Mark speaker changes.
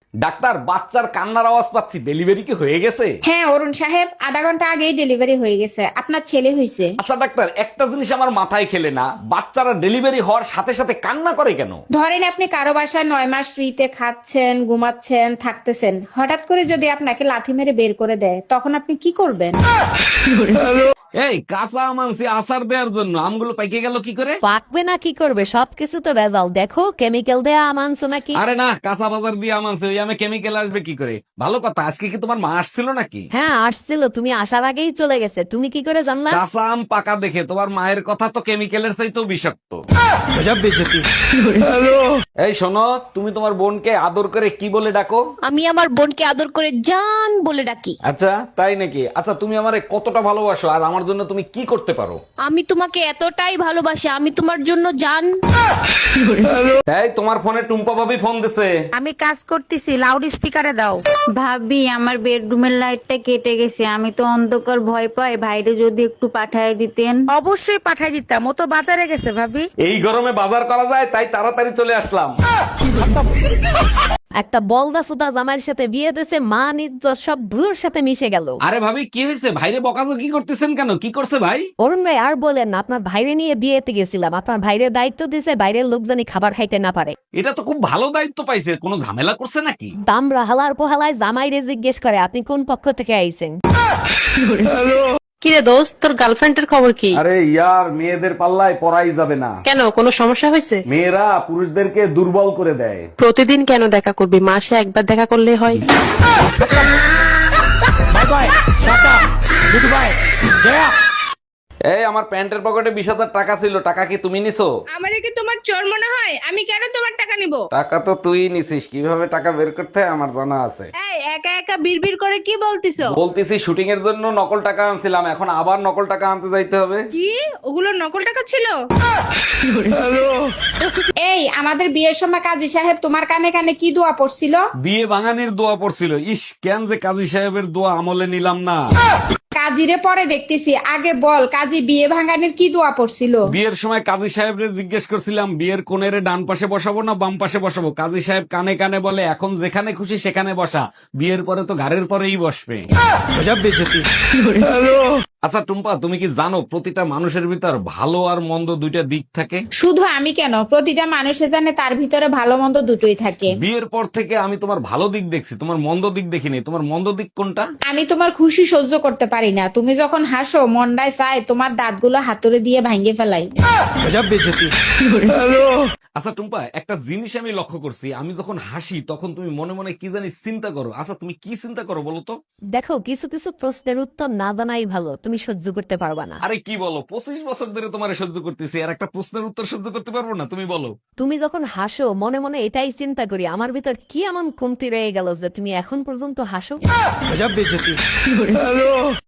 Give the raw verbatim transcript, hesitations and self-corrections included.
Speaker 1: Doctor, বাচ্চার কান্নার আওয়াজ পাচ্ছি, ডেলিভারি কি হয়ে গেছে?
Speaker 2: হ্যাঁ অরুণ সাহেব, আধা ঘন্টা আগেই ডেলিভারি হয়ে গেছে, আপনার ছেলে হয়েছে।
Speaker 1: আচ্ছা ডাক্তার, একটা জিনিস আমার মাথায় খেলে না, বাচ্চারা ডেলিভারি হওয়ার সাথে সাথে কান্না করে কেন?
Speaker 2: ধরেন আপনি কারো বাসায় নয় মাস ফ্রিতে খাচ্ছেন, ঘুমাচ্ছেন, থাকতেছেন, হঠাৎ করে যদি আপনাকে লাথি মেরে বের করে দেয়, তখন আপনি কি করবেন?
Speaker 1: এই কাঁচা আম আনছি আচার দেওয়ার জন্য, আমগুলো পাইকে গেল কি করে?
Speaker 3: পাকবে না কি করবে, সবকিছু তো ভেজাল। দেখো কেমিক্যাল দেয়া আম আনছো নাকি?
Speaker 1: আরে না, কাঁচা বাজার দিয়ে আম আনছে, ওই আমে কেমিক্যাল আসবে কি করে? ভালো কথা, আজকে কি তোমার মা আসছিল নাকি?
Speaker 3: হ্যাঁ আসছিল, তুমি আসার আগেই চলে গেছে, তুমি কি করে জানলা?
Speaker 1: কাঁচা আম পাকা দেখে তোমার মায়ের কথা তো কেমিক্যালের চাইতেও বিষাক্ত। এই শোনো, তুমি তোমার বোনকে আদর করে কি বলে ডাকো?
Speaker 4: আমি আমার বোনকে আদর করে জান বলে ডাকি।
Speaker 1: আচ্ছা তাই নাকি? আচ্ছা তুমি আমারে কতটা ভালোবাসো আর আমার জন্য তুমি কি করতে পারো?
Speaker 4: আমি তোমাকে এতটাই ভালোবাসি, আমি তোমার জন্য জান।
Speaker 1: এই তোমার ফোনে টুম্পা ভাবি ফোন দিছে।
Speaker 5: আমি কাজ করতেছি, লাউড স্পিকারে দাও।
Speaker 6: ভাবি আমার বেডরুমের লাইটটা কেটে গেছে, আমি তো অন্ধকার ভয় পাই, ভাইরে যদি একটু পাঠায় দিতেন।
Speaker 5: অবশ্যই পাঠাই দিতাম, ও তো বাজারে গেছে ভাবি।
Speaker 1: এই গরমে বাজার করা যায় তাই তাড়াতাড়ি চলে আসলাম।
Speaker 3: একটা বলদা সুদা জামাইয়ের সাথে বিয়ে দিয়েছে, মা নিজ সব ভুলোর সাথে মিশে গেল।
Speaker 1: আরে ভাবি কি হয়েছে? ভাইরে বকাজকি করতেছেন কেন? কি করছে ভাই?
Speaker 3: অরুণ ভাই আর বলেন না, আপনার ভাইরে নিয়ে বিয়েতে গেছিলাম, আপনার ভাইরে দায়িত্ব দিছে বাইরের লোক জানি খাবার খাইতে না পারে।
Speaker 1: এটা তো খুব ভালো দায়িত্ব পাইছে, কোনো ঝামেলা করছে নাকি?
Speaker 3: দামরা হালার পোহালায় জামাইরে জিজ্ঞেস করে আপনি কোন পক্ষ থেকে আইছেন।
Speaker 7: কিরে দোস্ত, তোর গার্লফ্রেন্ডের খবর কি?
Speaker 1: আরে ইয়ার, মেয়েদের পাল্লায় পড়াই যাবে না।
Speaker 7: কেন, কোনো সমস্যা হয়েছে?
Speaker 1: মেয়েরা পুরুষদেরকে দুর্বল করে দেয়।
Speaker 7: প্রতিদিন কেন দেখা করবি? মাসে একবার দেখা করলে হয়।
Speaker 1: এই আমার প্যান্টের পকেটে বিশ হাজার টাকা ছিল, টাকা কি তুমি নিছো?
Speaker 2: আমারে কি তোমার চোর মনে হয়? আমি কেন তোমার টাকা নিব?
Speaker 1: টাকা তো তুই নিছিস, কিভাবে টাকা বের করতে হয় আমার জানা আছে।
Speaker 2: এই একা একা বিড়বিড় করে কি বলতিছো?
Speaker 1: বলতেছি শুটিং এর জন্য নকল টাকা আনছিলাম, এখন আবার নকল টাকা আনতে যাইতে হবে।
Speaker 2: কি ওগুলো নকল টাকা ছিল? এই আমাদের বিয়ের সময় কাজী সাহেব তোমার কানে কানে কি দোয়া পড়ছিল?
Speaker 1: বিয়ে ভাঙানির দোয়া পড়ছিল। ইস, কেন যে কাজী সাহেবের দোয়া আমলে নিলাম না।
Speaker 2: কাজীরে পরে দেখতেছি, আগে বল কাজী বিয়ে ভাঙানির কি দোয়া পড়ছিল?
Speaker 1: বিয়ের সময় কাজী সাহেবরে জিজ্ঞেস করছিলাম বিয়ের কোণেরে ডান পাশে বসাবো না বাম পাশে বসাবো। কাজী সাহেব কানে কানে বলে এখন যেখানে খুশি সেখানে বসা, বিয়ের পরে তো ঘাড়ের পরেই বসবে। আচ্ছা টুম্পা, তুমি কি জানো প্রতিটা মানুষের ভিতর ভালো আর মন্দ দুইটা দিক থাকে?
Speaker 2: শুধু আমি কেন, প্রতিটা মানুষে জানে তার ভিতরে ভালো মন্দ দুটোই থাকে।
Speaker 1: বিয়ের পর থেকে আমি তোমার ভালো দিক দেখছি, তোমার মন্দ দিক দেখিনি। তোমার মন্দ দিক কোনটা?
Speaker 2: আমি তোমার খুশি সহ্য করতে পারি না, তুমি যখন হাসো মনটায় চায় তোমার দাঁতগুলো হাতুড়ে দিয়ে ভাঙিয়ে ফেলাই।
Speaker 1: আচ্ছা টুম্পা, একটা জিনিস আমি লক্ষ্য করছি, আমি যখন হাসি তখন তুমি মনে মনে কি জানি চিন্তা করো। আচ্ছা তুমি কি চিন্তা করো বলো তো?
Speaker 3: দেখো কিছু কিছু প্রশ্নের উত্তর না জানাই ভালো, তুমি সহ্য করতে পারবা না।
Speaker 1: আরে কি বলো, পঁচিশ বছর ধরে তোমার সহ্য করতেছি আর একটা প্রশ্নের উত্তর সহ্য করতে পারবো না? তুমি বলো।
Speaker 3: তুমি যখন হাসো মনে মনে এটাই চিন্তা করি আমার ভিতর কি এমন কমতি রয়ে গেল যে তুমি এখন পর্যন্ত হাসো।